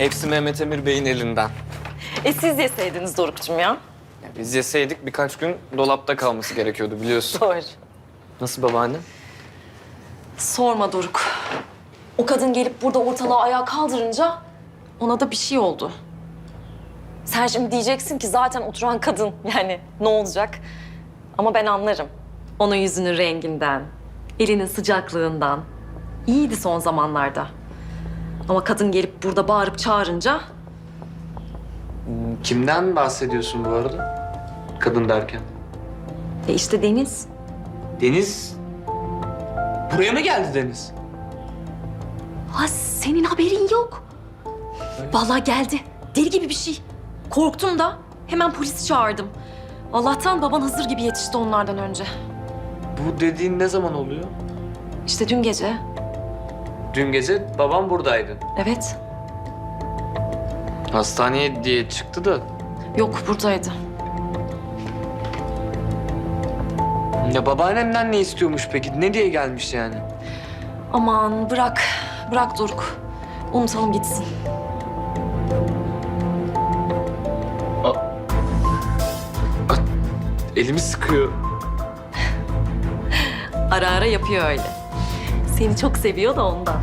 Hepsi Mehmet Emir Bey'in elinden. Siz yeseydiniz Doruk'cum ya. Ya biz yeseydik birkaç gün dolapta kalması gerekiyordu biliyorsun. Doğru. Nasıl babaanne? Sorma Doruk. O kadın gelip burada ortalığı ayağa kaldırınca ona da bir şey oldu. Sen şimdi diyeceksin ki zaten oturan kadın, yani ne olacak? Ama ben anlarım. Onun yüzünün renginden, elinin sıcaklığından. İyiydi son zamanlarda. Ama kadın gelip burada bağırıp çağırınca Kimden bahsediyorsun bu arada? Kadın derken. işte Deniz. Deniz. Buraya mı geldi Deniz? Ha, senin haberin yok. Vallahi geldi. Deli gibi bir şey. Korktum da hemen polisi çağırdım. Allah'tan baban hazır gibi yetişti onlardan önce. Bu dediğin ne zaman oluyor? İşte dün gece. Dün gece babam buradaydı. Evet. Hastaneye diye çıktı da. Yok, buradaydı. Ya babaannemden ne istiyormuş peki? Ne diye gelmiş yani? Aman bırak. Bırak Doruk. Unutalım gitsin. Elimi sıkıyor. Ara ara yapıyor öyle. Seni çok seviyor da ondan.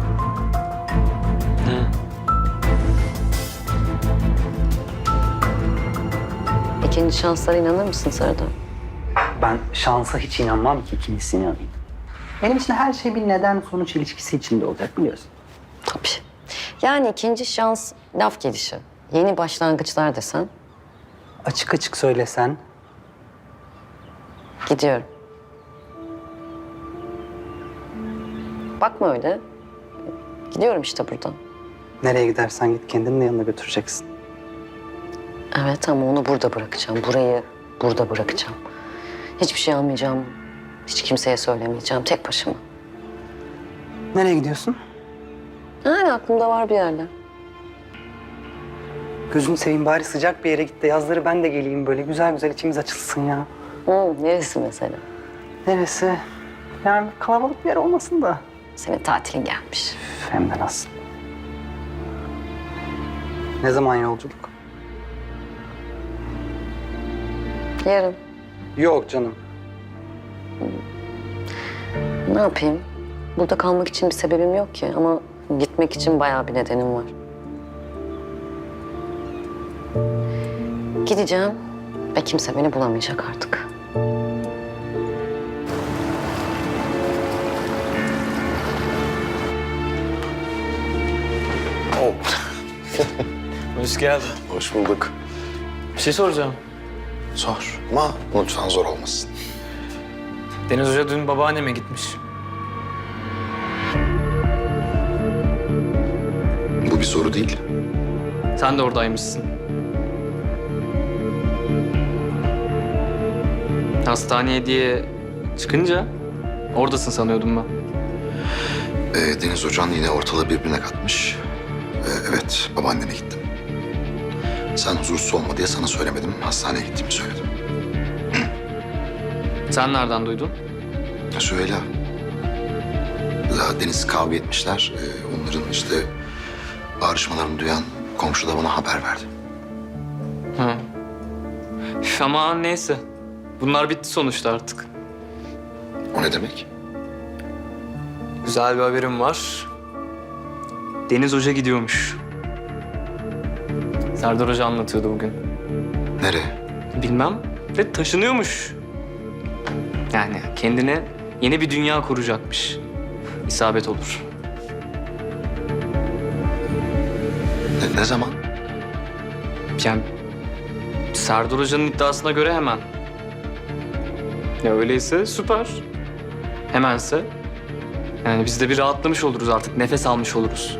İkinci şanslara inanır mısın Serdar? Ben şansa hiç inanmam ki ikincisine inanayım. Benim için her şey bir neden sonuç ilişkisi içinde olacak biliyorsun. Tabii. Yani ikinci şans laf gelişi. Yeni başlangıçlar desen Açık açık söylesen gidiyorum. Bakma öyle. Gidiyorum işte buradan. nereye gidersen git kendini de yanına götüreceksin. Evet ama onu burada bırakacağım. Burayı burada bırakacağım. Hiçbir şey almayacağım. Hiç kimseye söylemeyeceğim. Tek başıma. Nereye gidiyorsun? Yani aklımda var bir yerler. Gözünü seveyim bari sıcak bir yere git de yazları ben de geleyim böyle güzel güzel içimiz açılsın ya. Neresi mesela? Neresi? Yani kalabalık bir yer olmasın da. Senin tatilin gelmiş. Hem de nasıl? Ne zaman yolculuk? Yarın. Yok canım. Ne yapayım? Burada kalmak için bir sebebim yok ki ama gitmek için bayağı bir nedenim var. Gideceğim ve kimse beni bulamayacak artık. Hoş geldin. Hoş bulduk. Bir şey soracağım. Sor ama lütfen zor olmasın. Deniz Hoca dün babaanneme gitmiş. Bu bir soru değil. Sen de oradaymışsın. Hastaneye diye çıkınca oradasın sanıyordum ben. Deniz Hoca'nın yine ortalığı birbirine katmış. Evet, babaanneme gittim. Sen huzursuz olma diye sana söylemedim. Hastaneye gittiğimi söyledim. Sen nereden duydun? Süheyla. Deniz kavga etmişler. Onların işte bağırışmalarını duyan komşu da bana haber verdi. Ha. Üf, ama neyse. Bunlar bitti sonuçta artık. O ne demek? Güzel bir haberim var. Deniz Hoca gidiyormuş. Serdar Hoca anlatıyordu bugün. Nereye? Bilmem ve taşınıyormuş. Yani kendine yeni bir dünya kuracakmış. İsabet olur. Ne zaman? Yani Serdar Hoca'nın iddiasına göre hemen. Ya öyleyse süper. Hemense. Yani biz de bir rahatlamış oluruz artık. Nefes almış oluruz.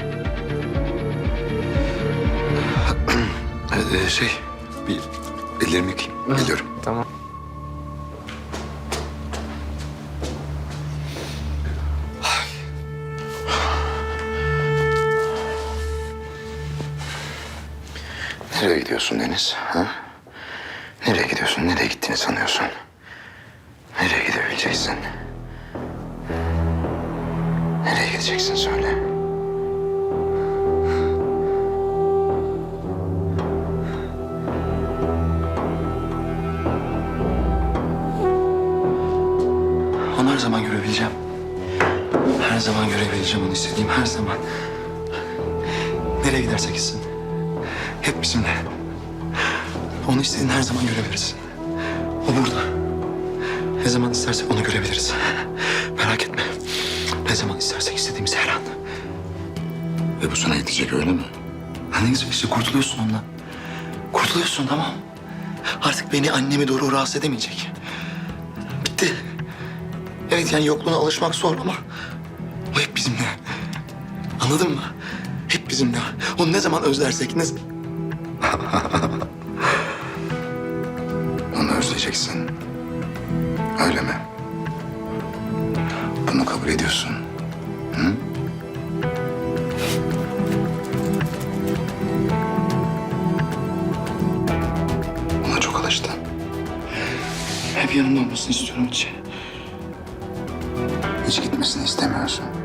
Bir ellerimi yıkayayım. Geliyorum. Tamam. Nereye gidiyorsun Deniz? Ha? Nereye gidiyorsun? Nereye gittiğini sanıyorsun? Nereye gidebileceksin? Nereye gideceksin söyle. zaman görebileceğim onu, istediğim her zaman. Nereye gidersek gitsin. Hep bizimle. Onu istediğin her zaman görebilirsin. O burada. Ne zaman istersek onu görebiliriz. Merak etme. Ne zaman istersek istediğimiz her an. Ve bu sana yetecek, öyle mi? Ha, ne güzel işte, kurtuluyorsun ondan. Kurtuluyorsun, tamam. Artık beni, annemi doğru rahatsız edemeyecek. Bitti. Evet, yani yokluğuna alışmak zor ama o hep bizimle. Anladın mı? Hep bizimle. Onu ne zaman özlersek, Onu özleyeceksin. Öyle mi? Bunu kabul ediyorsun. Hı? Ona çok alıştın. Hep yanımda olmasını istiyorum hiç. Hiç gitmesini istemiyorsun.